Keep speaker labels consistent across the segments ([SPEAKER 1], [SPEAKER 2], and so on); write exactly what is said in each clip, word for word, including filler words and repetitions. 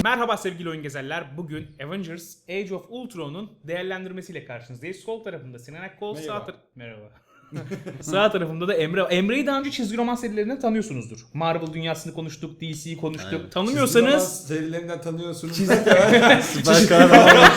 [SPEAKER 1] Merhaba sevgili oyun gezerler. Bugün Avengers Age of Ultron'un değerlendirmesiyle karşınızdayız. Sol tarafımda Sinan Akkol, sağ
[SPEAKER 2] Merhaba.
[SPEAKER 1] tar- Merhaba. Sağ tarafımda da Emre. Emre'yi daha önce çizgi roman serilerinden tanıyorsunuzdur. Marvel dünyasını konuştuk, D C'yi konuştuk.
[SPEAKER 3] Aynen.
[SPEAKER 1] Tanımıyorsanız
[SPEAKER 2] serilerinden tanıyorsunuz.
[SPEAKER 3] Süper kahraman.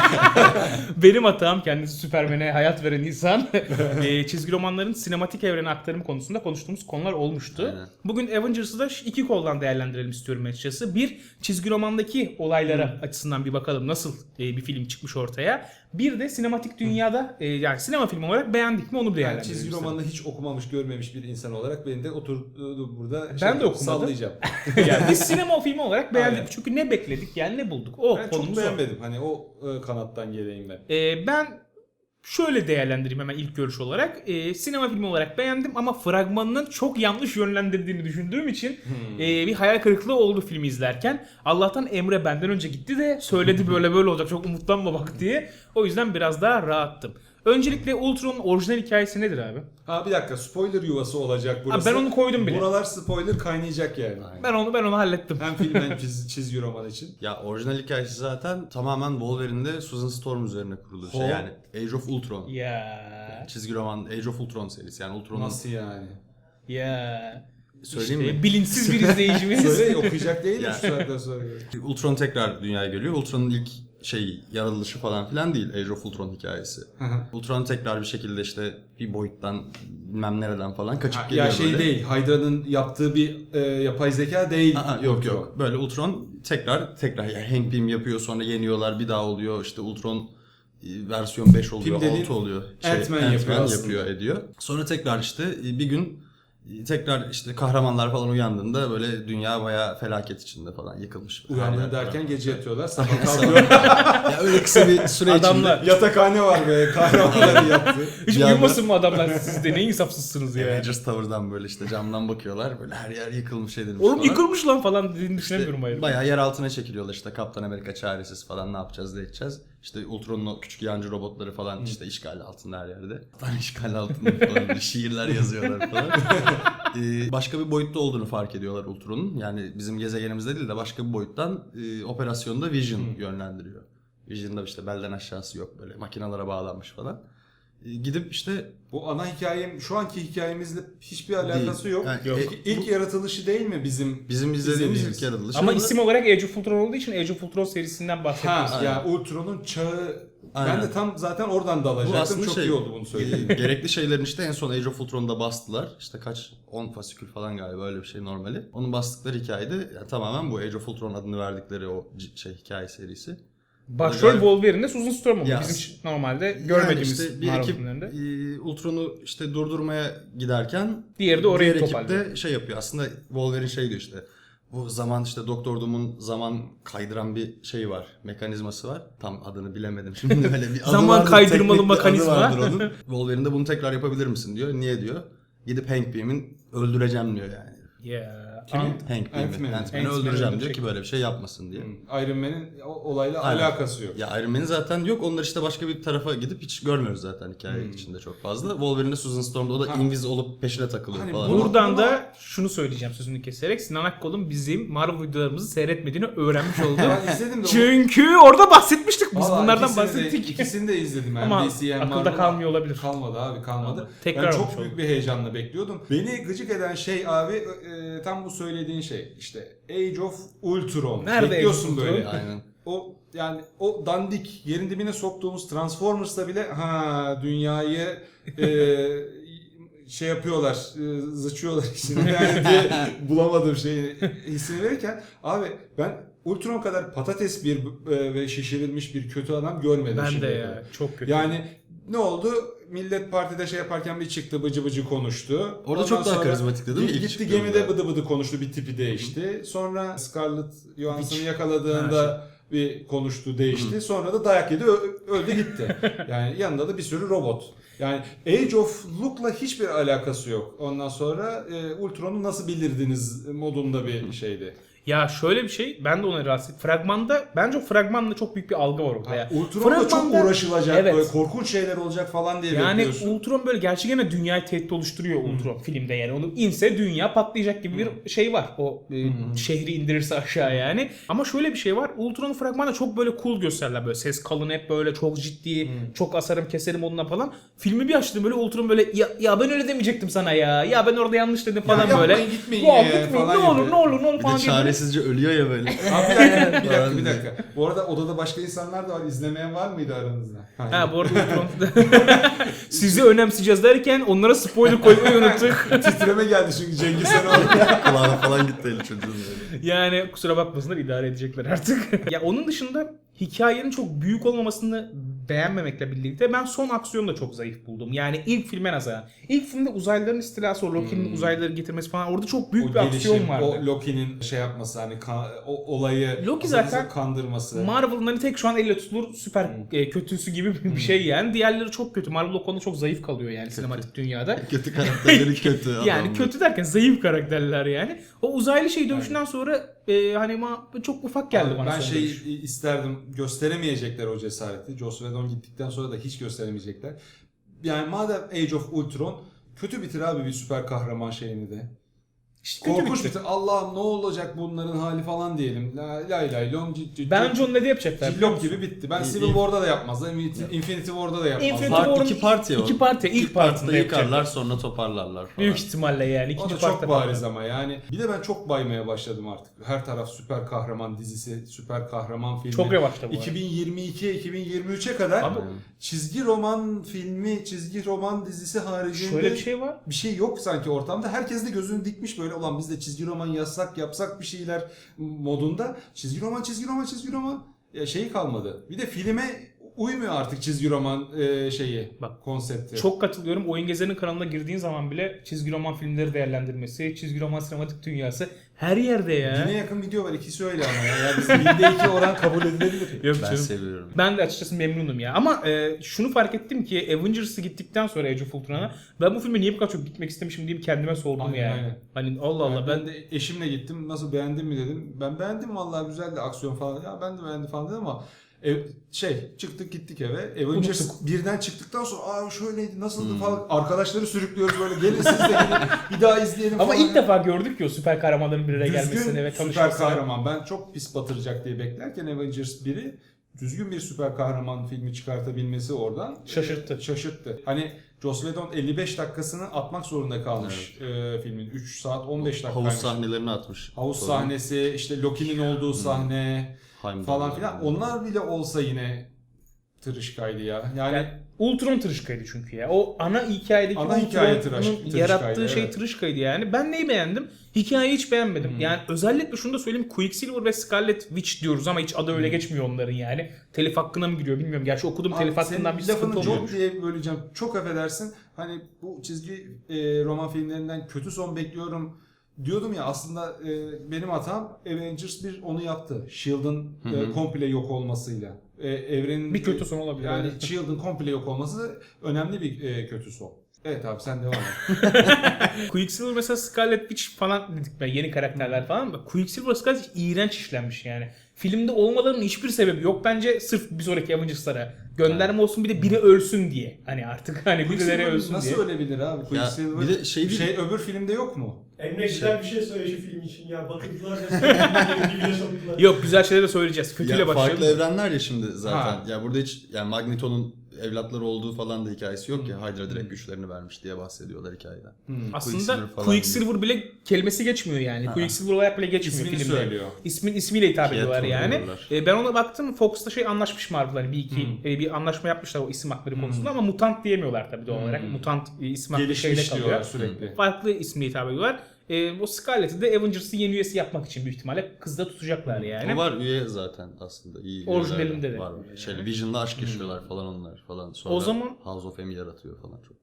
[SPEAKER 1] benim hatam, kendisi Süpermen'e hayat veren insan. e, çizgi romanların sinematik evrene aktarımı konusunda konuştuğumuz konular olmuştu.
[SPEAKER 3] Aynen.
[SPEAKER 1] Bugün Avengers'ı da iki koldan değerlendirelim istiyorum açıkçası. Bir, çizgi romandaki olaylara açısından bir bakalım nasıl e, bir film çıkmış ortaya. Bir de sinematik dünyada e, yani sinema filmi olarak beğendik mi onu bir
[SPEAKER 2] Yani
[SPEAKER 1] değerlendirelim.
[SPEAKER 2] çizgi
[SPEAKER 1] istedim.
[SPEAKER 2] romanını hiç okumamış, görmemiş bir insan olarak beni de oturdu burada
[SPEAKER 1] Ben de okumadım.
[SPEAKER 2] sallayacağım.
[SPEAKER 1] Yani biz sinema filmi olarak beğendik.
[SPEAKER 2] Aynen.
[SPEAKER 1] Çünkü ne bekledik yani ne bulduk. O
[SPEAKER 2] Ben
[SPEAKER 1] konumuz
[SPEAKER 2] çok
[SPEAKER 1] o.
[SPEAKER 2] beğenmedim. Hani o e, kanattan geleyim ben.
[SPEAKER 1] Ee, ben şöyle değerlendireyim hemen ilk görüş olarak. Ee, sinema filmi olarak beğendim ama fragmanının çok yanlış yönlendirdiğini düşündüğüm için
[SPEAKER 2] Hmm.
[SPEAKER 1] e, bir hayal kırıklığı oldu filmi izlerken. Allah'tan Emre benden önce gitti de söyledi böyle böyle olacak, çok umutlanma bak diye. O yüzden biraz daha rahattım. Öncelikle Ultron'un orijinal hikayesi nedir abi?
[SPEAKER 2] Ha bir dakika, spoiler yuvası olacak burası.
[SPEAKER 1] Abi ben onu koydum bile.
[SPEAKER 2] Buralar spoiler kaynayacak yani.
[SPEAKER 1] Ben onu ben onu hallettim.
[SPEAKER 2] Hem film hem çiz, çizgi roman için.
[SPEAKER 3] Ya orijinal hikayesi zaten tamamen Wolverine'de Susan Storm üzerine kurulu bir şey.
[SPEAKER 2] Ho.
[SPEAKER 3] Yani Age of Ultron.
[SPEAKER 1] Ya
[SPEAKER 3] Çizgi roman Age of Ultron serisi. Yani Ultron'un
[SPEAKER 2] Nasıl yani?
[SPEAKER 1] ya
[SPEAKER 3] söyleyeyim
[SPEAKER 1] işte
[SPEAKER 3] mi?
[SPEAKER 1] bilinçsiz bir izleyicimiz.
[SPEAKER 2] Söyle, okuyacak değil mi
[SPEAKER 3] Ya.
[SPEAKER 2] şu saatten sonra?
[SPEAKER 3] Ultron tekrar dünyaya geliyor. Ultron'un ilk şey yaratılışı falan filan değil Age of Ultron hikayesi. Ultron tekrar bir şekilde işte bir boyuttan bilmem nereden falan kaçıp geliyor
[SPEAKER 2] Ya şey
[SPEAKER 3] böyle.
[SPEAKER 2] değil, Hydra'nın yaptığı bir e, yapay zeka değil.
[SPEAKER 3] Aa, yok yok. Böyle Ultron tekrar tekrar yani Hank Pym yapıyor, sonra yeniyorlar, bir daha oluyor. İşte Ultron e, versiyon beş oluyor,
[SPEAKER 2] Pym dediğin
[SPEAKER 3] altı oluyor.
[SPEAKER 2] Ant-Man yapıyor aslında.
[SPEAKER 3] yapıyor ediyor. Sonra tekrar işte e, bir gün e, tekrar işte kahramanlar falan uyandığında böyle dünya bayağı felaket içinde falan yıkılmış. Her
[SPEAKER 2] Uyandığı
[SPEAKER 3] yer
[SPEAKER 2] derken
[SPEAKER 3] falan.
[SPEAKER 2] gece yatıyorlar, sabah kalkıyor.
[SPEAKER 3] Ya öyle kısa bir süre
[SPEAKER 1] Adamlar.
[SPEAKER 3] içinde
[SPEAKER 2] Yatakhane var be, kahramanları yattı.
[SPEAKER 1] Hiç
[SPEAKER 3] Bir anda-
[SPEAKER 1] uyumasın mı adamlar, siz de ne insafsızsınız ya.
[SPEAKER 3] Avengers Tower'dan böyle işte camdan bakıyorlar, böyle her yer yıkılmış edilmiş
[SPEAKER 1] Oğlum
[SPEAKER 3] falan.
[SPEAKER 1] yıkılmış lan falan dediğini düşünemiyorum hayır.
[SPEAKER 3] Bayağı yer altına çekiliyorlar, işte Kaptan Amerika çaresiz falan, ne yapacağız ne edeceğiz. İşte Ultron'un o küçük yancı robotları falan işte işgal altında her yerde. Tam işgal altında falan böyle şiirler yazıyorlar falan. ee, başka bir boyutta olduğunu fark ediyorlar Ultron'un. Yani bizim gezegenimizde değil de başka bir boyuttan e, operasyonda Vision yönlendiriyor. Vision'da işte belden aşağısı yok, böyle makinalara bağlanmış falan. Ee, gidip işte
[SPEAKER 2] Bu ana hikayem, şu anki hikayemizle hiçbir alakası
[SPEAKER 3] Değil.
[SPEAKER 2] yok.
[SPEAKER 3] Yani,
[SPEAKER 1] Yok.
[SPEAKER 3] e,
[SPEAKER 2] İlk, ilk yaratılışı değil mi bizim?
[SPEAKER 3] bizim izlediğimiz
[SPEAKER 2] İzlediğimiz.
[SPEAKER 3] ilk yaratılış.
[SPEAKER 1] Ama isim olarak Age of Ultron olduğu için Age of Ultron serisinden bahsediyoruz.
[SPEAKER 2] Ha,
[SPEAKER 3] Aynen.
[SPEAKER 2] ya Ultron'un çağı.
[SPEAKER 3] Aynen.
[SPEAKER 2] Ben de tam zaten oradan
[SPEAKER 3] Bu
[SPEAKER 2] dalacaktım.
[SPEAKER 3] aslında
[SPEAKER 2] Çok
[SPEAKER 3] şey,
[SPEAKER 2] iyi oldu bunu söylediğin.
[SPEAKER 3] e, gerekli şeylerin işte en son Age of Ultron'da bastılar. İşte kaç on fasikül falan galiba, öyle bir şey normali. Onun bastıkları hikayede yani tamamen bu Age of Ultron adını verdikleri o c- şey hikaye serisi.
[SPEAKER 1] Başrol
[SPEAKER 3] Yani-
[SPEAKER 1] Wolverine'de Susan Storm oldu.
[SPEAKER 3] Ya-
[SPEAKER 1] Bizim normalde görmediğimiz
[SPEAKER 3] yani işte bir
[SPEAKER 1] Marvel
[SPEAKER 3] ekip
[SPEAKER 1] filmlerinde.
[SPEAKER 3] e, Ultron'u işte durdurmaya giderken
[SPEAKER 1] Diğeri de orayı
[SPEAKER 3] diğer ekip
[SPEAKER 1] toparlıyor.
[SPEAKER 3] de şey yapıyor. Aslında Wolverine şey diyor işte. Bu zaman işte Doktor Doom'un zaman kaydıran bir şey var. Mekanizması var. Tam adını bilemedim şimdi, böyle bir adı
[SPEAKER 1] Zaman
[SPEAKER 3] vardır,
[SPEAKER 1] kaydırmalı
[SPEAKER 3] teknik bir adı
[SPEAKER 1] mekanizma.
[SPEAKER 3] vardır onun. Wolverine de bunu tekrar yapabilir misin diyor. Niye diyor. Gidip Hank Pym'in öldüreceğim diyor yani.
[SPEAKER 1] Ya.
[SPEAKER 2] Kimin?
[SPEAKER 1] Ant-
[SPEAKER 3] Hank Pym'i.
[SPEAKER 2] Ant-Man'i.
[SPEAKER 3] Ant-Man'i
[SPEAKER 1] Ant-Man'i
[SPEAKER 3] öldüreceğim diyor
[SPEAKER 1] öldürecek.
[SPEAKER 3] ki böyle bir şey yapmasın diye.
[SPEAKER 2] Iron Man'in o- olayla
[SPEAKER 3] Aynen.
[SPEAKER 2] alakası yok.
[SPEAKER 3] Ya Iron Man'in zaten yok. Onlar işte başka bir tarafa gidip hiç görmüyoruz zaten hikaye içinde çok fazla. Wolverine'de Susan Storm'da o da
[SPEAKER 2] Hmm. Ha.
[SPEAKER 3] invis olup peşine takılıyor
[SPEAKER 2] Hani
[SPEAKER 3] falan.
[SPEAKER 2] bunu-
[SPEAKER 1] Buradan da şunu söyleyeceğim sözünü keserek. Sinan Akkol'un bizim Marvel videolarımızı seyretmediğini öğrenmiş oldum.
[SPEAKER 2] Ben izledim de.
[SPEAKER 1] Çünkü orada bahsetmiştik biz
[SPEAKER 2] Vallahi
[SPEAKER 1] bunlardan
[SPEAKER 2] ikisini de-
[SPEAKER 1] bahsettik.
[SPEAKER 2] ikisini de izledim. Hem
[SPEAKER 1] Ama
[SPEAKER 2] D C hem
[SPEAKER 1] akılda
[SPEAKER 2] Marvel.
[SPEAKER 1] kalmıyor olabilir.
[SPEAKER 2] Kalmadı abi, kalmadı.
[SPEAKER 1] Tamam. Tekrar
[SPEAKER 2] ben çok
[SPEAKER 1] olmuş
[SPEAKER 2] büyük
[SPEAKER 1] oldu.
[SPEAKER 2] bir heyecanla bekliyordum. Beni gıcık eden şey abi e, tam bu söylediğin şey. İşte Age of Ultron.
[SPEAKER 1] Nerede
[SPEAKER 2] Bekliyorsun
[SPEAKER 1] Age of Ultron?
[SPEAKER 2] böyle.
[SPEAKER 3] Aynen.
[SPEAKER 2] O yani o dandik yerin dibine soktuğumuz Transformers'ta bile ha dünyayı e, şey yapıyorlar, e, zıçıyorlar içine yani diye bulamadım şeyi hissini verirken abi ben Ultron kadar patates bir e, ve şişirilmiş bir kötü adam görmedim
[SPEAKER 1] Ben de
[SPEAKER 2] şimdiye
[SPEAKER 1] ya
[SPEAKER 2] kadar.
[SPEAKER 1] çok kötü.
[SPEAKER 2] Yani ne oldu? Millet partide şey yaparken bir çıktı, bıcı bıcı konuştu.
[SPEAKER 3] Orada çok daha karizmatikti değil mi? İlk
[SPEAKER 2] Gitti
[SPEAKER 3] çıktığında.
[SPEAKER 2] gemide bıdı bıdı konuştu, bir tipi değişti. Sonra Scarlett Johansson'ı yakaladığında bir konuştu, değişti. Sonra da dayak yedi, ö- öldü gitti. Yani yanında da bir sürü robot. Yani Age of Look'la hiçbir alakası yok. Ondan sonra e, Ultron'u nasıl bilirdiniz modunda bir şeydi.
[SPEAKER 1] Ya şöyle bir şey, ben de ona rahatsız. Fragmanda, bence o fragmanda çok büyük bir algı var orada ya.
[SPEAKER 2] Ultron'da çok
[SPEAKER 1] Fragmanda-
[SPEAKER 2] uğraşılacak,
[SPEAKER 1] Evet.
[SPEAKER 2] böyle korkunç şeyler olacak falan diye
[SPEAKER 1] Yani
[SPEAKER 2] bekliyorsun.
[SPEAKER 1] Ultron böyle gerçekten dünyayı tehdit oluşturuyor Ultron filmde yani. Onu inse dünya patlayacak gibi bir şey var. O e, şehri indirirse aşağı yani. Ama şöyle bir şey var. Ultron'un fragmanında çok böyle cool gösterirler böyle. Ses kalın, hep böyle çok ciddi, çok asarım keserim onunla falan. Filmi bir açtım böyle, Ultron böyle ya, ya ben öyle demeyecektim sana ya. Ya ben orada yanlış dedim falan
[SPEAKER 2] Ya
[SPEAKER 1] böyle.
[SPEAKER 2] yapmayın, gitmeyin
[SPEAKER 1] Ya
[SPEAKER 2] ya
[SPEAKER 1] gitmeyin,
[SPEAKER 2] falan
[SPEAKER 1] ne olur
[SPEAKER 2] yapıyor.
[SPEAKER 1] ne olur ne olur
[SPEAKER 3] Bir
[SPEAKER 1] falan
[SPEAKER 3] de
[SPEAKER 1] diye böyle-
[SPEAKER 3] çaresizce ölüyor ya böyle.
[SPEAKER 2] Abi bir dakika, bir dakika,
[SPEAKER 3] Falan
[SPEAKER 2] bir
[SPEAKER 3] diye.
[SPEAKER 2] dakika. Bu arada odada başka insanlar da var. İzlemeyen var mıydı aranızda?
[SPEAKER 1] Ha bu arada Ultron sizi önemseyeceğiz derken onlara spoiler koymayı unuttuk.
[SPEAKER 2] Titreme geldi çünkü Cengiz sen orada.
[SPEAKER 3] Kulağına falan gitti eli çocuğun böyle.
[SPEAKER 1] Yani kusura bakmasınlar, idare edecekler artık. Ya onun dışında hikayenin çok büyük olmamasını beğenmemekle birlikte ben son aksiyonu da çok zayıf buldum. Yani ilk filme nazaran. İlk filmde uzaylıların istilası, o Loki'nin
[SPEAKER 2] Hmm.
[SPEAKER 1] uzaylıları getirmesi falan, orada çok büyük
[SPEAKER 2] O
[SPEAKER 1] bir aksiyon
[SPEAKER 2] gelişim,
[SPEAKER 1] vardı.
[SPEAKER 2] o Loki'nin şey yapması, hani ka- o olayı
[SPEAKER 1] Loki
[SPEAKER 2] aslında
[SPEAKER 1] zaten
[SPEAKER 2] kandırması.
[SPEAKER 1] Marvel'ın hani tek şu an elle tutulur süper e, kötüsü gibi bir şey yani. Diğerleri çok kötü. Marvel o konuda çok zayıf kalıyor yani sinematik dünyada.
[SPEAKER 3] Kötü karakterleri kötü
[SPEAKER 1] Yani
[SPEAKER 3] adamlar.
[SPEAKER 1] kötü derken zayıf karakterler yani. O uzaylı şey dövüşünden sonra e, hani ma- çok ufak geldi
[SPEAKER 2] Abi
[SPEAKER 1] bana
[SPEAKER 2] ben
[SPEAKER 1] son
[SPEAKER 2] şey
[SPEAKER 1] dövüş.
[SPEAKER 2] isterdim, gösteremeyecekler o cesareti. Joss Whedon gittikten sonra da hiç gösteremeyecekler. Yani madem Age of Ultron, kötü bitir abi bir süper kahraman şeyini de.
[SPEAKER 1] İşte kötü
[SPEAKER 2] Korkunç
[SPEAKER 1] bitti.
[SPEAKER 2] bitir. Allah'ım ne olacak bunların hali falan diyelim. La lay lay long cid cid.
[SPEAKER 1] Bence onu ne de yapacaklar.
[SPEAKER 2] Cillop gibi bitti. Ben
[SPEAKER 3] İyi,
[SPEAKER 2] Civil
[SPEAKER 3] iyi.
[SPEAKER 2] War'da da yapmazlar. Infinity Infinity War'da da yapmazlar.
[SPEAKER 1] Infinity
[SPEAKER 3] Part,
[SPEAKER 1] War'un
[SPEAKER 3] iki part ya o.
[SPEAKER 1] iki part ya, ilk
[SPEAKER 3] İlk partında
[SPEAKER 1] partında
[SPEAKER 3] yıkarlar
[SPEAKER 1] yapacaklar.
[SPEAKER 3] sonra toparlarlar falan.
[SPEAKER 1] Büyük ihtimalle yani.
[SPEAKER 2] O
[SPEAKER 1] İkinci
[SPEAKER 2] da çok
[SPEAKER 1] partta
[SPEAKER 2] bariz
[SPEAKER 1] falan.
[SPEAKER 2] ama yani. Bir de ben çok baymaya başladım artık. Her taraf süper kahraman dizisi, süper kahraman filmi.
[SPEAKER 1] Çok revaçta bu.
[SPEAKER 2] iki bin yirmi iki iki bin yirmi üçe kadar
[SPEAKER 1] Abi-
[SPEAKER 2] çizgi roman filmi, çizgi roman dizisi haricinde
[SPEAKER 1] Şöyle bir şey var.
[SPEAKER 2] bir şey yok sanki ortamda. Herkes de gözünü dikmiş böyle, ulan biz de çizgi roman yazsak yapsak bir şeyler modunda. Çizgi roman, çizgi roman, çizgi roman. Ya şeyi kalmadı. Bir de filme uymuyor artık çizgi roman e, şeyi,
[SPEAKER 1] Bak,
[SPEAKER 2] konsepti.
[SPEAKER 1] Çok katılıyorum. Oyun Gezer'in kanalına girdiğin zaman bile çizgi roman filmleri değerlendirmesi, çizgi roman sinematik dünyası her yerde ya.
[SPEAKER 2] Bine yakın video var, ikisi öyle ama ya. Yani bizim binde iki oran kabul edilebilir.
[SPEAKER 1] Yok
[SPEAKER 3] Ben
[SPEAKER 1] canım.
[SPEAKER 3] seviyorum.
[SPEAKER 1] Ben de açıkçası memnunum ya. Ama e, şunu fark ettim ki Avengers'ı gittikten sonra Age of Ultron'a ben bu filme niye bu kadar çok gitmek istemişim diye bir kendime sordum
[SPEAKER 2] Aynen,
[SPEAKER 1] yani.
[SPEAKER 2] aynen.
[SPEAKER 1] Hani Allah Allah
[SPEAKER 2] Yani
[SPEAKER 1] ben
[SPEAKER 2] ben de eşimle gittim. Nasıl, beğendin mi dedim. Ben beğendim vallahi, güzeldi aksiyon falan. Ya ben de beğendim falan dedim ama ev, şey çıktık gittik eve. Avengers
[SPEAKER 1] Unuttuk.
[SPEAKER 2] birden çıktıktan sonra aa şöyleydi nasıldı falan. Arkadaşları sürüklüyoruz böyle. Gelin siz de gelin bir daha izleyelim
[SPEAKER 1] ama
[SPEAKER 2] falan.
[SPEAKER 1] ilk defa gördük ki o süper kahramanların bir araya gelmesini
[SPEAKER 2] düzgün
[SPEAKER 1] ve
[SPEAKER 2] süper
[SPEAKER 1] tanışmasını.
[SPEAKER 2] kahraman. Ben çok pis batıracak diye beklerken Avengers biri düzgün bir süper kahraman filmi çıkartabilmesi oradan
[SPEAKER 1] Şaşırttı.
[SPEAKER 2] e, şaşırttı. Hani Joss Whedon elli beş dakikasını atmak zorunda kalmış e, filmin. üç saat on beş dakika.
[SPEAKER 3] Havuz sahnelerini atmış.
[SPEAKER 2] Havuz
[SPEAKER 3] Sonra
[SPEAKER 2] sahnesi, işte Loki'nin olduğu sahne
[SPEAKER 3] Heimdall
[SPEAKER 2] falan filan.
[SPEAKER 3] yani.
[SPEAKER 2] Onlar bile olsa yine tırışkaydı ya. Yani,
[SPEAKER 1] Yani Ultron tırışkaydı çünkü ya. O ana hikayedeki
[SPEAKER 2] Ana hikaye tıraş-
[SPEAKER 1] Ultron'un
[SPEAKER 2] tırışkaydı,
[SPEAKER 1] yarattığı şey
[SPEAKER 2] evet.
[SPEAKER 1] tırışkaydı yani. Ben neyi beğendim? Hikayeyi hiç beğenmedim.
[SPEAKER 2] Hmm.
[SPEAKER 1] Yani özellikle şunu da söyleyeyim. Quicksilver ve Scarlet Witch diyoruz ama hiç adı öyle geçmiyor onların yani. Telif hakkına mı giriyor bilmiyorum. Gerçi okudum telif
[SPEAKER 2] Abi
[SPEAKER 1] hakkından bir
[SPEAKER 2] senin
[SPEAKER 1] sıkıntı
[SPEAKER 2] lafını
[SPEAKER 1] olmuyormuş.
[SPEAKER 2] çok diye böleceğim. Çok affedersin. Hani bu çizgi e, roman filmlerinden kötü son bekliyorum diyordum ya, aslında e, benim hatam Avengers bir onu yaptı. Shield'ın
[SPEAKER 3] Hı
[SPEAKER 2] e,
[SPEAKER 3] hı.
[SPEAKER 2] komple yok olmasıyla. E, evrenin
[SPEAKER 1] Bir kötü son olabilir.
[SPEAKER 2] Yani
[SPEAKER 1] evet.
[SPEAKER 2] Shield'ın komple yok olması önemli bir e, kötü son. Evet abi sen devam et.
[SPEAKER 1] Quicksilver mesela Scarlet Witch falan dedik ben, yeni karakterler falan. Bak Quicksilver Scarlet Witch iğrenç işlenmiş yani. Filmde olmalarının hiçbir sebebi yok bence, sırf bir sonraki Avengers'lara gönderme olsun, bir de biri ölsün diye. Hani artık hani birileri
[SPEAKER 2] Quicksilver
[SPEAKER 1] ölsün
[SPEAKER 2] nasıl
[SPEAKER 1] diye.
[SPEAKER 2] ölebilir abi? Quicksilver
[SPEAKER 3] bir de şey değil-
[SPEAKER 2] şey öbür filmde yok mu?
[SPEAKER 4] Emre güzel bir şey söyle şu film için ya. Batırdılar ya. Sonra bir video soktular.
[SPEAKER 1] Yok, güzel şeyler de söyleyeceğiz. Kötüyle
[SPEAKER 3] Ya
[SPEAKER 1] başlayalım.
[SPEAKER 3] farklı evrenler ya şimdi zaten.
[SPEAKER 2] Ha.
[SPEAKER 3] Ya burada hiç yani Magneto'nun evlatları olduğu falan da hikayesi yok ya. Hydra direkt güçlerini vermiş diye bahsediyorlar hikayeden.
[SPEAKER 1] Aslında
[SPEAKER 3] Quicksilver falan
[SPEAKER 1] Quicksilver bile kelimesi geçmiyor yani.
[SPEAKER 3] Ha.
[SPEAKER 1] Quicksilver olarak bile geçmiyor
[SPEAKER 2] İsmini
[SPEAKER 1] filmde.
[SPEAKER 2] söylüyor.
[SPEAKER 1] İsmin ismiyle hitap
[SPEAKER 3] Pietro
[SPEAKER 1] ediyorlar yani.
[SPEAKER 3] diyorlar.
[SPEAKER 1] E, ben ona baktım. Fox'ta şey anlaşmış Marvel, hani bir iki
[SPEAKER 2] Hmm.
[SPEAKER 1] e, bir anlaşma yapmışlar o isim hakları
[SPEAKER 2] Hmm.
[SPEAKER 1] konusunda ama mutant diyemiyorlar tabii doğal olarak.
[SPEAKER 2] Hmm.
[SPEAKER 1] Mutant e, isim hakları şeyde
[SPEAKER 2] Gelişmiş
[SPEAKER 1] kalıyor.
[SPEAKER 2] diyorlar sürekli.
[SPEAKER 1] Farklı ismiyle hitap ediyorlar. E, o Scarlet'i de Avengers'ın yeni üyesi yapmak için büyük ihtimalle kızda tutacaklar yani.
[SPEAKER 3] O var üye zaten aslında. İyi
[SPEAKER 1] Orijinalinde
[SPEAKER 3] üyeler
[SPEAKER 1] de.
[SPEAKER 3] Var. Şeyle Vision'la aşk yaşıyorlar falan onlar falan. Sonra
[SPEAKER 1] O zaman-
[SPEAKER 3] House of M yaratıyor falan çok.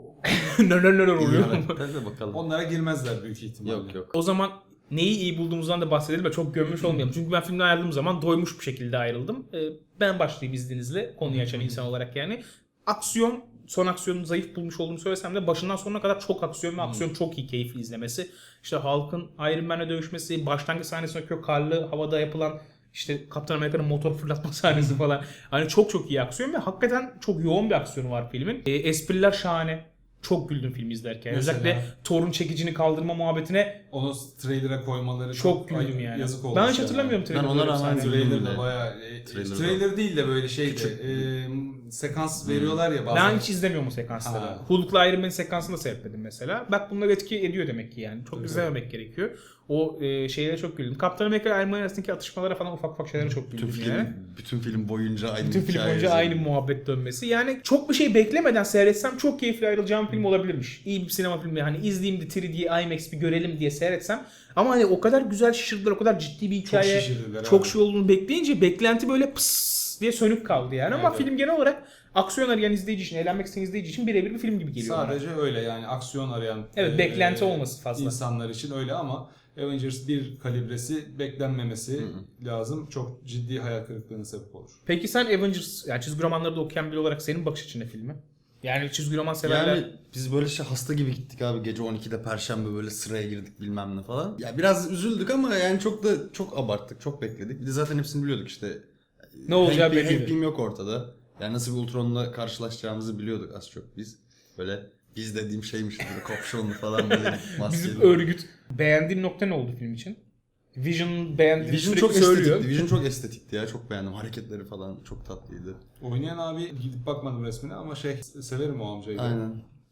[SPEAKER 1] Neler neler oluyor.
[SPEAKER 3] Hadi de bakalım.
[SPEAKER 2] Onlara girmezler büyük ihtimalle.
[SPEAKER 3] Yok yok.
[SPEAKER 1] O zaman neyi iyi bulduğumuzdan da bahsedelim ve çok gömmüş olmayalım. Çünkü ben filmden ayrıldığım zaman doymuş bir şekilde ayrıldım. Ee, ben başlayayım izninizle, konuyu açan insan olarak yani. Aksiyon son aksiyonunu zayıf bulmuş olduğumu söylesem de başından sonuna kadar çok aksiyon ve aksiyon çok iyi, keyifli izlemesi. İşte Hulk'ın Iron Man'le dövüşmesi, başlangıç sahnesindeki o karlı havada yapılan işte Kaptan Amerika'nın motor fırlatma sahnesi falan. Hani çok çok iyi aksiyon ve hakikaten çok yoğun bir aksiyonu var filmin. E, espriler şahane. Çok güldüm filmi izlerken.
[SPEAKER 2] Mesela?
[SPEAKER 1] Özellikle Thor'un çekicini kaldırma muhabbetine
[SPEAKER 2] Onu trailer'a koymaları
[SPEAKER 1] çok
[SPEAKER 2] ay-
[SPEAKER 1] güldüm yani.
[SPEAKER 2] Yazık olmuş.
[SPEAKER 1] Ben hiç
[SPEAKER 2] ya.
[SPEAKER 1] hatırlamıyorum
[SPEAKER 3] Ben ona
[SPEAKER 1] trailer'ları
[SPEAKER 3] rağmen
[SPEAKER 1] sahneleri.
[SPEAKER 3] güldüm.
[SPEAKER 2] Trailer de
[SPEAKER 3] bile.
[SPEAKER 2] bayağı e,
[SPEAKER 3] Trailer
[SPEAKER 2] trailer, değil de böyle şeydi.
[SPEAKER 3] Küçük.
[SPEAKER 2] E, sekans veriyorlar ya bazen.
[SPEAKER 1] Ben hiç izlemiyorum o sekansları.
[SPEAKER 2] Ha.
[SPEAKER 1] Hulk'la Iron Man sekansını da seyretmedim mesela. Bak bunlar etki ediyor demek ki yani. Çok
[SPEAKER 2] Tabii.
[SPEAKER 1] izlememek gerekiyor. O e, şeylere çok güldüm. Kaptan Amerika ile Iron Man arasındaki atışmalara falan ufak ufak şeylere çok güldüm
[SPEAKER 3] Bütün
[SPEAKER 1] yani.
[SPEAKER 3] film, bütün film boyunca aynı
[SPEAKER 1] Bütün film
[SPEAKER 3] hikaye
[SPEAKER 1] boyunca
[SPEAKER 3] üzerine.
[SPEAKER 1] aynı muhabbet dönmesi. Yani çok bir şey beklemeden seyretsem çok keyifli ayrılacağım film olabilirmiş. İyi bir sinema filmi. Hani izleyeyim de üç D IMAX bir görelim diye seyretsem. Ama hani o kadar güzel şişirdiler, o kadar ciddi bir hikaye,
[SPEAKER 2] şişirdiler
[SPEAKER 1] çok
[SPEAKER 2] abi.
[SPEAKER 1] şey olduğunu bekleyince beklenti böyle pıs diye sönük kaldı yani. Ama
[SPEAKER 2] Evet,
[SPEAKER 1] film genel olarak aksiyon arayan izleyici için, eğlenmek isteyen izleyici için birebir bir film gibi geliyor bana.
[SPEAKER 2] Sadece öyle yani aksiyon arayan
[SPEAKER 1] Evet,
[SPEAKER 2] e,
[SPEAKER 1] beklenti
[SPEAKER 2] e,
[SPEAKER 1] olması fazla.
[SPEAKER 2] insanlar için öyle ama Avengers bir kalibresi beklenmemesi lazım. Çok ciddi hayal kırıklığına sebep olur.
[SPEAKER 1] Peki sen Avengers, yani çizgi romanları da okuyan biri olarak senin bakış açın ne filmi? Yani çizgi roman severler...
[SPEAKER 3] Yani biz böyle şey hasta gibi gittik abi, gece on ikide Perşembe böyle sıraya girdik bilmem ne falan. Ya biraz üzüldük ama yani çok da çok abarttık, çok bekledik. Bir de zaten hepsini biliyorduk işte.
[SPEAKER 1] Ne olacağı
[SPEAKER 3] Hank Pym-
[SPEAKER 1] belliydi.
[SPEAKER 3] Hank Pym yok ortada. Yani nasıl bir Ultron'la karşılaşacağımızı biliyorduk az çok biz. Böyle biz dediğim şeymiş böyle kopşonlu falan böyle maskeli.
[SPEAKER 1] Bizim örgüt. Beğendiğin nokta ne oldu film için? Vision beğendiğini
[SPEAKER 3] Vision
[SPEAKER 1] sürekli
[SPEAKER 3] çok
[SPEAKER 1] söylüyor.
[SPEAKER 3] estetikti. Vision çok estetikti ya. Çok beğendim. Hareketleri falan çok tatlıydı.
[SPEAKER 2] Oynayan abi gidip bakmadım resmine ama şey severim o amcayı. da.
[SPEAKER 3] Aynen.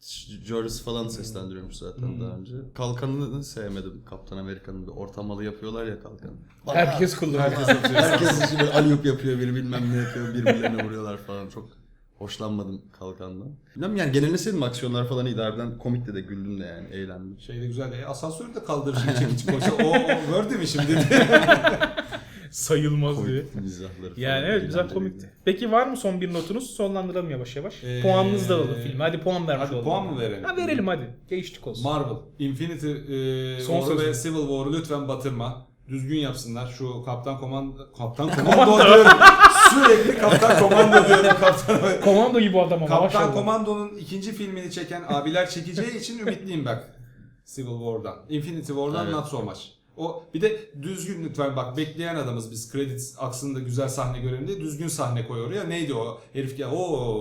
[SPEAKER 3] Joris falan seslendiriyormuş zaten
[SPEAKER 2] Hmm.
[SPEAKER 3] daha önce. Kalkanını sevmedim. Kaptan Amerika'nın bir ortamalı yapıyorlar ya kalkanı.
[SPEAKER 1] Herkes kullanıyor.
[SPEAKER 2] Herkes atıyor.
[SPEAKER 3] Herkes şimdi aliyup yapıyor, biri bilmem ne yapıyor, birbirlerine vuruyorlar falan. Çok hoşlanmadım kalkandan. Bilmem yani genelini sevdim, aksiyonlar falan iyiydi. Harbiden komikti de, güldüm de yani, eğlendim.
[SPEAKER 2] Şey de güzel. E, asansörü de kaldırıcı çekici koysa o, o Word mi şimdi?
[SPEAKER 1] Sayılmaz diye.
[SPEAKER 3] Komik mizahları falan.
[SPEAKER 1] Yani evet, güzel
[SPEAKER 3] eğlenceliydi.
[SPEAKER 1] komikti. Peki var mı son bir notunuz? Sonlandıralım yavaş yavaş.
[SPEAKER 2] Ee,
[SPEAKER 1] Puanınızı da alalım filme. Hadi puan vermiş
[SPEAKER 2] Hadi
[SPEAKER 1] olalım.
[SPEAKER 2] puan mı verelim?
[SPEAKER 1] Ha verelim hadi. Geçtik olsun.
[SPEAKER 2] Marvel, Infinity e,
[SPEAKER 1] Son
[SPEAKER 2] War'u
[SPEAKER 1] söz.
[SPEAKER 2] ve Civil War'u lütfen batırma. Düzgün yapsınlar. Şu Kaptan Komando... Kaptan Komando diyorum. Sürekli Kaptan Komando diyorum. Kaptan,
[SPEAKER 1] Komando gibi adam ama
[SPEAKER 2] Kaptan
[SPEAKER 1] maşallah.
[SPEAKER 2] Komando'nun ikinci filmini çeken abiler çekeceği için ümitliyim bak. Civil War'dan. Infinity War'dan
[SPEAKER 3] Evet.
[SPEAKER 2] not so much. O bir de düzgün lütfen bak, bekleyen adamız biz, credits aksında güzel sahne görelim diye düzgün sahne koy oraya. Neydi o? Herif ya o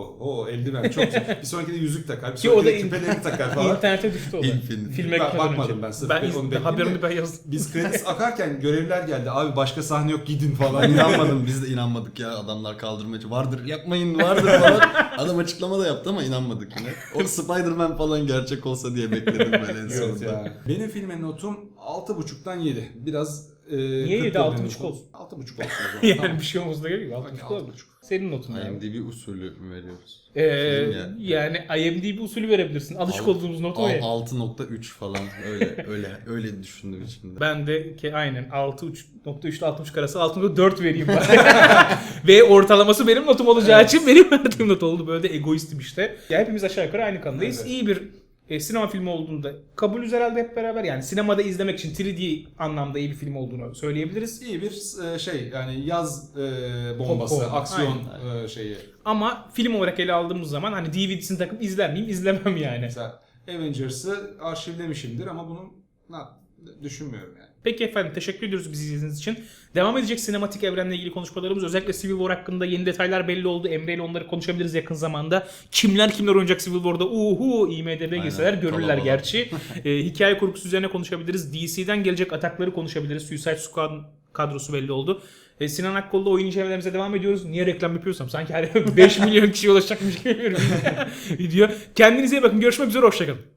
[SPEAKER 2] o eldiven çok güzel. Bir sonraki de yüzük takar. Bir
[SPEAKER 1] Ki o da
[SPEAKER 2] sonraki de
[SPEAKER 1] in-
[SPEAKER 2] küpelerini takar falan.
[SPEAKER 1] İnternete düştü o da.
[SPEAKER 3] Infinity.
[SPEAKER 1] Filme
[SPEAKER 2] Bak-
[SPEAKER 1] gitmeden
[SPEAKER 2] bakmadım
[SPEAKER 1] önce.
[SPEAKER 2] ben, sırf
[SPEAKER 1] Ben
[SPEAKER 2] onu
[SPEAKER 1] iz-
[SPEAKER 2] bekleyeyim
[SPEAKER 1] haberini
[SPEAKER 2] de.
[SPEAKER 1] ben yazdım.
[SPEAKER 2] Biz credits akarken görevler geldi. Abi başka sahne yok, gidin falan.
[SPEAKER 3] Ben inanmadım, biz de inanmadık ya, adamlar kaldırmacı vardır yapmayın vardır falan. Adam açıklama da yaptı ama inanmadık yine. O Spider-Man falan gerçek olsa diye bekledim böyle en
[SPEAKER 2] Evet
[SPEAKER 3] sonunda.
[SPEAKER 2] ya. Benim filme notum altı buçuktan yedi. Biraz e,
[SPEAKER 1] Niye
[SPEAKER 2] kırk
[SPEAKER 1] yedi?
[SPEAKER 2] da
[SPEAKER 1] altı
[SPEAKER 2] benim
[SPEAKER 1] buçuk
[SPEAKER 2] notum.
[SPEAKER 1] olsun.
[SPEAKER 2] altı buçuk olsun o zaman.
[SPEAKER 1] Yani
[SPEAKER 2] Tamam.
[SPEAKER 1] bir şey olmasa da gerek yok. Altı
[SPEAKER 2] Hadi,
[SPEAKER 1] buçuk
[SPEAKER 2] altı
[SPEAKER 1] olabilir.
[SPEAKER 2] buçuk.
[SPEAKER 1] Senin notun yani.
[SPEAKER 3] IMDb usulü mü veriyoruz?
[SPEAKER 1] Ee,
[SPEAKER 3] Film ya.
[SPEAKER 1] yani IMDb usulü verebilirsin. Alışık
[SPEAKER 3] Alt-
[SPEAKER 1] olduğumuz not o ya.
[SPEAKER 3] altı nokta üç falan öyle öyle öyle düşündüm içimde.
[SPEAKER 1] Ben de ki aynen altı nokta üç ile altı buçuk arası altı nokta dört vereyim bari. Ve ortalaması benim notum olacağı
[SPEAKER 2] Evet.
[SPEAKER 1] için benim verdiğim not oldu. Böyle de egoistim işte. Ya hepimiz aşağı yukarı aynı kanıdayız.
[SPEAKER 2] Evet.
[SPEAKER 1] İyi bir e, sinema filmi olduğunda kabulüz herhalde hep beraber. Yani sinemada izlemek için üç D anlamda iyi bir film olduğunu söyleyebiliriz.
[SPEAKER 2] İyi bir e, şey yani yaz e, bombası,
[SPEAKER 1] Bomba.
[SPEAKER 2] aksiyon e, şeyi.
[SPEAKER 1] Ama film olarak ele aldığımız zaman hani D V D'sini takıp izler miyim? İzlemem yani.
[SPEAKER 2] Mesela Avengers'ı arşivlemişimdir ama bunu na, düşünmüyorum yani.
[SPEAKER 1] Peki efendim, teşekkür ediyoruz bizi izlediğiniz için. Devam edecek sinematik evrenle ilgili konuşmalarımız, özellikle Civil War hakkında yeni detaylar belli oldu. Emre ile onları konuşabiliriz yakın zamanda. Kimler kimler oynayacak Civil War'da? Uhu I M D B girseler
[SPEAKER 3] Aynen,
[SPEAKER 1] görürler
[SPEAKER 3] kalabalık.
[SPEAKER 1] gerçi. e, hikaye kurgusu üzerine konuşabiliriz. D C'den gelecek atakları konuşabiliriz. Suicide Squad kadrosu belli oldu. E, Sinan Akkol'da oyun incelemelerimize devam ediyoruz. Niye reklam yapıyorsam sanki her beş milyon kişiye ulaşacakmış gibi bir video. Kendinize iyi bakın. Görüşmek üzere. Hoşçakalın.